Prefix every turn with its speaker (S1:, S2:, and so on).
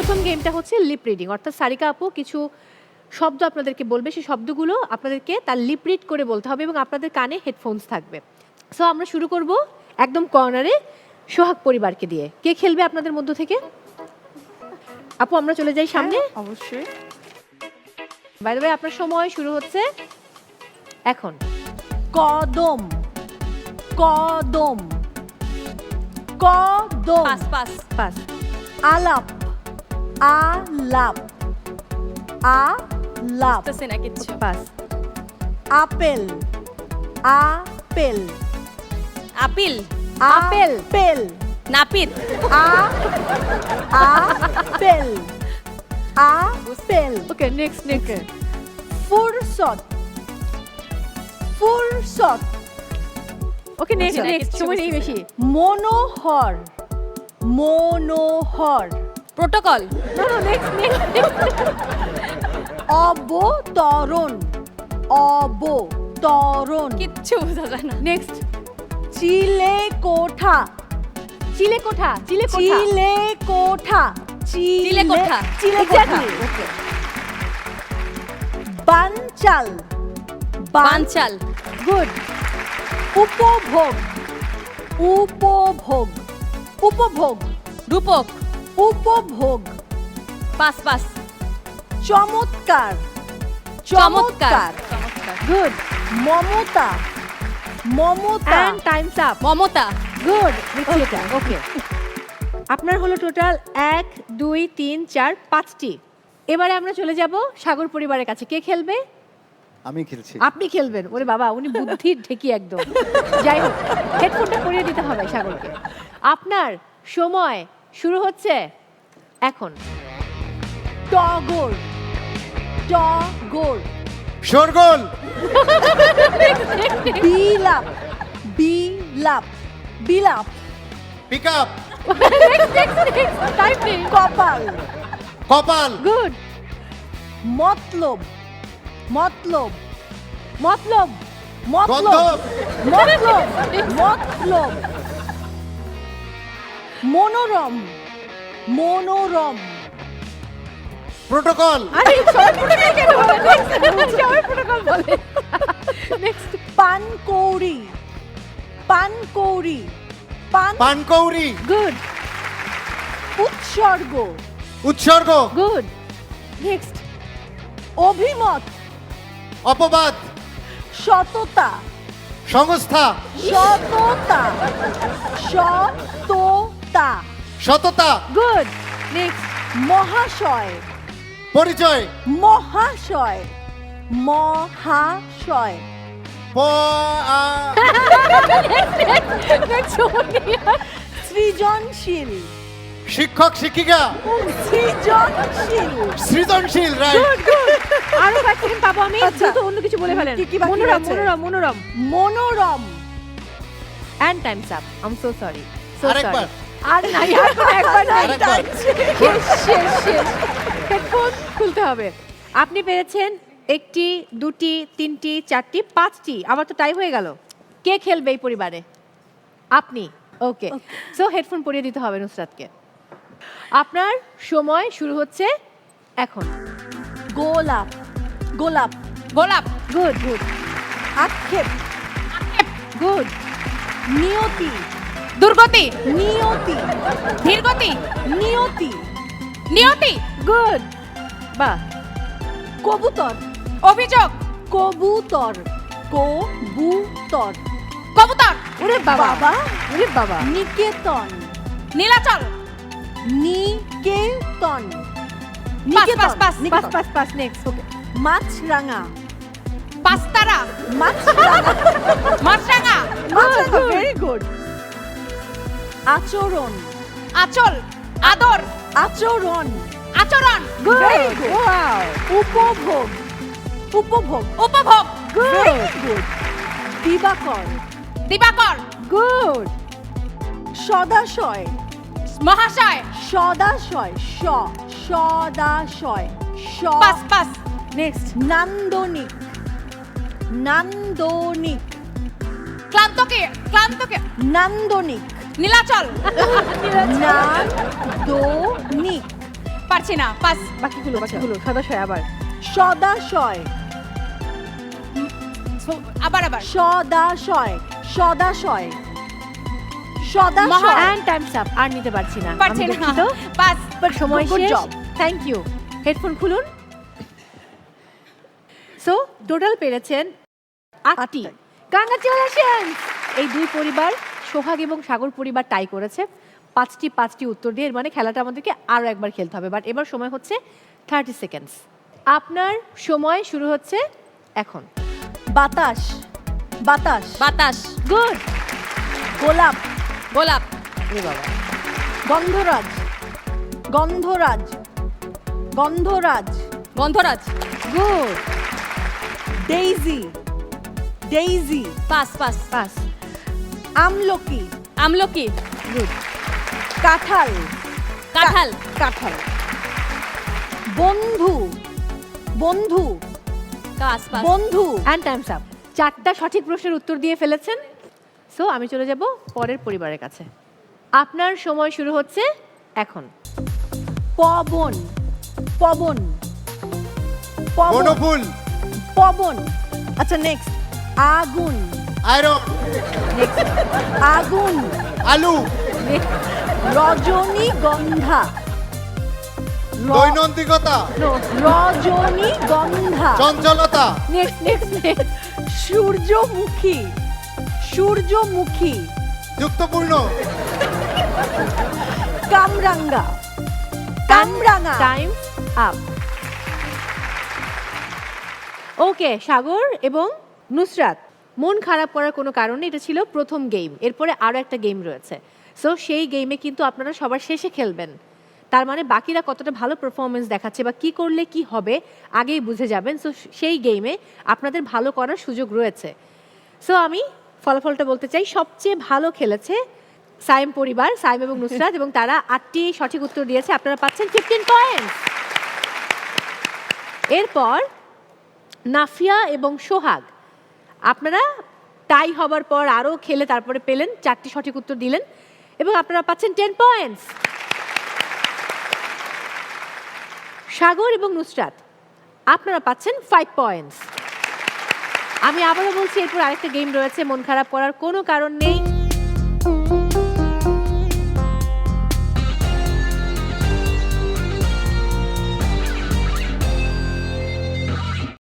S1: প্রথম গেমটা হচ্ছে লিপ রিডিং, অর্থাৎ সারিকা আপু কিছু শব্দ আপনাদেরকে বলবে, সেই শব্দগুলো আপনাদেরকে তার লিপ রিড করে বলতে হবে এবং আপনাদের কানে হেডফোনস থাকবে। সো আমরা শুরু করব একদম কর্নারে সোহাগ পরিবারকে দিয়ে। কে খেলবে আপনাদের মধ্য থেকে? আপু আমরা চলে যাই সামনে।
S2: অবশ্যই।
S1: বাই দ্য ওয়ে আপনার সময় শুরু হচ্ছে এখন।
S2: কদম, কদম, কদম।
S3: Pass pass
S1: pass.
S2: আলাপ, আলাপ, আলাপ।
S3: বুঝতেছি না কিচ্ছু।
S1: Pass.
S2: Apple, apple,
S3: appeal
S1: apple.
S2: Apple,
S3: নাপিত
S2: apple, apple.
S1: Okay next next.
S2: ফুরসত, ফুরসত।
S1: ওকে নেক্সট
S3: বুঝছি না,
S1: নেক্সট,
S3: কিচ্ছু
S1: সময় নেই
S3: বুঝতেছি
S1: বেশি।
S2: মনোহর, মনোহর।
S3: প্রোটোকল
S1: না না নেক্সট নেক্সট।
S2: অবতরণ, অবতরণ।
S3: কিচ্ছু বোঝা যায় না।
S1: নেক্সট।
S2: চিলেকোঠা,
S1: চিলেকোঠা। চিলেকোঠা।
S2: চিলেকোঠা,
S3: চিলেকোঠা।
S2: চিলেকোঠা।
S1: Exactly. Okay.
S2: বানচাল,
S3: বানচাল
S1: গুড।
S2: উপভোগ, উপভোগ, উপভোগ,
S3: রূপক
S2: উপভোগ।
S3: পাস পাস
S2: চমৎকার,
S3: চমৎকার
S2: চমৎকার।
S3: চমৎকার
S1: গুড।
S2: মমতা, মমতা।
S1: And times up.
S3: মমতা
S1: গুড। নিচ্ছি এটা। ওকে। আপনার হলো টোটাল 1 2 3 4 5টি। এবারে আমরা চলে যাব সাগর পরিবারের কাছে। কে খেলবে?
S4: আমি খেলছি।
S1: আপনি খেলবেন। ওরে বাবা, উনি বুদ্ধির ঢেকি একদম। যাই হোক, হেডফোনটা পরিয়ে দিতে হবে সাগরকে। আপনার সময় শুরু হচ্ছে এখন।
S2: টগর, টগর।
S4: শোরগোল,
S2: বিলাপ, বিলাপ, বিলাপ।
S4: পিকআপ,
S1: টাইম নেই।
S2: কপাল,
S4: কপাল,
S1: গুড।
S2: মতলব, মতলব,
S1: মতলব।
S2: মতলব,
S4: গন্ধব,
S2: মতলব, মতলব। মনোরম, মনোরম।
S4: প্রোটোকল,
S1: আরে সবাই প্রোটোকল কেন বলে? সবাই প্রোটোকল বলে। নেক্সট।
S2: পানকৌড়ি, পানকৌড়ি, পান।
S4: পানকৌড়ি,
S1: গুড।
S2: উৎসর্গ,
S4: উৎসর্গ,
S1: গুড। নেক্সট।
S2: অভিমত,
S4: অপবাদ,
S2: সততা,
S4: সংস্থা,
S2: সততা, সততা।
S4: সততা,
S1: গুড। নেক্সট।
S2: মহাশয়,
S4: পরিচয়,
S2: মহাশয়, মহাশয়।
S4: প আ
S1: নেক্সট সোনিয়া।
S2: সৃজনশীল,
S4: শিক্ষক শিক্ষিকা,
S2: সৃজনশীল।
S4: সৃজনশীল, রাইট।
S1: Good good. আরো 5 সেকেন্ড পাবো আমি।
S2: আচ্ছা।
S1: দ্রুত অন্য কিছু বলে ফেলেন।
S2: কি বাকি
S1: মনোরম
S2: আছে?
S1: মনোরম মনোরম।
S2: মনোরম।
S1: And times up. I am so sorry. So
S4: আরেকবার।
S1: সরি। আর নাই, আর কোনো একবার নাই।
S4: আরেকবার।
S1: শেষ শেষ শেষ। হেডফোন খুলতে হবে। আপনি পেরেছেন 1টি 2টি 3টি 4টি 5টি। আবার তো টাই হয়ে গেল। কে খেলবে এই পরিবারে? আপনি। ওকে। সো হেডফোন পরিয়ে দিতে হবে নুসরাতকে। আপনার সময় শুরু হচ্ছে এখন।
S2: গোলাপ, গোলাপ।
S3: গোলাপ
S1: গুড গুড
S2: আক্ষেপ,
S1: গুড।
S2: নিয়তি,
S3: দুর্গতি
S2: নিয়তি,
S3: ধীরগতি
S2: নিয়তি।
S3: নিয়তি
S1: গুড। বাহ।
S2: কবুতর,
S3: অভিযোগ
S2: কবুতর, কবুতর।
S3: কবুতর
S1: ওরে বাবা।
S2: বাবা।
S1: ওরে বাবা।
S2: নিকেতন,
S3: নীলাচল
S2: নিকেতন,
S3: pass pass pass
S1: pass pass pass. Next. Okay.
S2: মাছরাঙা,
S3: পাঁচতারা
S2: মাছরাঙা,
S3: মাছরাঙা
S2: মাছরাঙা। Very good. আচরণ,
S3: আচল আদর
S2: আচরণ।
S3: আচরণ
S2: Very
S1: গুড।
S2: good.
S1: ওয়াও।
S2: উপভোগ, উপভোগ।
S3: উপভোগ
S2: Very good. দিবাকর,
S3: দিবাকর
S1: গুড।
S2: সদাশয়,
S3: মহাশয়
S2: সদাশয়, সদাশয়,
S3: পাস পাস
S1: নেক্সট।
S2: নান্দনিক, নান্দনিক,
S3: ক্লান্তকে ক্লান্তকে
S2: নান্দনিক,
S3: নীলাচল
S2: নান্দনিক।
S3: পারছি না পাস
S1: বাকিগুলো সদাশয় আবার
S2: সদাশয়
S3: আবার আবার
S2: সদাশয় সদাশয় সদাশয়
S1: অ্যান্ড টাইমস আপ, আর নিতে পারছি না,
S3: পারছি
S1: আমি
S3: না
S1: দুঃখিত।
S3: পাস
S1: সময়
S2: Good
S1: শেষ।
S2: job.
S1: Thank you. হেডফোন খুলুন। সো টোটাল পেরেছেন 8টি। কংগ্রাচুলেশন! এই দুই পরিবার সোহাগ এবং সাগর পরিবার টাই করেছে 5টি উত্তর দিয়ে। এর মানে খেলাটা আমাদেরকে আরো একবার খেলতে হবে, বাট এবার সময় হচ্ছে 30 সেকেন্ডস। আপনার সময় শুরু হচ্ছে এখন।
S2: বাতাস বাতাস
S3: বাতাস
S1: গুড।
S2: গোলাপ
S3: গোলাপ
S2: গন্ধরাজ গন্ধরাজ গন্ধরাজ
S3: গন্ধরাজ
S1: good.
S2: Daisy daisy
S3: pass pass
S1: pass.
S2: আমলকি
S3: আমলকি
S1: গুড।
S2: কাঁঠাল
S3: কাঁঠাল
S2: কাঁঠাল বন্ধু বন্ধু
S3: পাস পাস
S2: বন্ধু
S1: অ্যান্ড টাইমস আপ। 4টা সঠিক প্রশ্নের উত্তর দিয়ে ফেলেছেন। সো আমি চলে যাব পরের পরিবারের কাছে। আপনার সময় শুরু হচ্ছে এখন।
S2: পবন পবন পবন
S4: বনফুল,
S2: পবন আচ্ছা নেক্সট আগুন
S4: আয়রন,
S2: আগুন
S4: আলু,
S2: রজনীগন্ধা
S4: দৈনন্দিকতা,
S2: রজনীগন্ধা
S4: চঞ্চলতা,
S1: নেক্সট
S2: সূর্যমুখী সূর্যমুখী
S4: যুক্তপূর্ণ,
S2: কামরাঙ্গা কামরাঙা
S1: টাইম আপ। ওকে, সাগর এবং নুসরাত, মন খারাপ করার কোনো কারণে এটা ছিল প্রথম গেম। এরপরে আরও একটা গেম রয়েছে। সো সেই গেমে কিন্তু আপনারা সবার শেষে খেলবেন। তার মানে বাকিরা কতটা ভালো পারফরমেন্স দেখাচ্ছে বা কি করলে কি হবে আগেই বুঝে যাবেন। সো সেই গেমে আপনাদের ভালো করার সুযোগ রয়েছে। সো আমি ফলাফলটা বলতে চাই, সবচেয়ে ভালো খেলেছে সাইম পরিবার, সাইম এবং নুসরাত, এবং তারা 8টি সঠিক উত্তর দিয়েছে। আপনারা পাচ্ছেন 15 পয়েন্টস। এরপর নাফিয়া এবং সোহাগ, আপনারা টাই হবার পর আরও খেলে তারপরে পেলেন 4টি সঠিক উত্তর দিলেন এবং আপনারা পাচ্ছেন 10 পয়েন্টস। সাগর এবং নুসরাত, আপনারা পাচ্ছেন 5 পয়েন্টস। আমি আবারও বলছি, এরপর আরেকটা গেম রয়েছে, মন খারাপ করার কোনো কারণ নেই।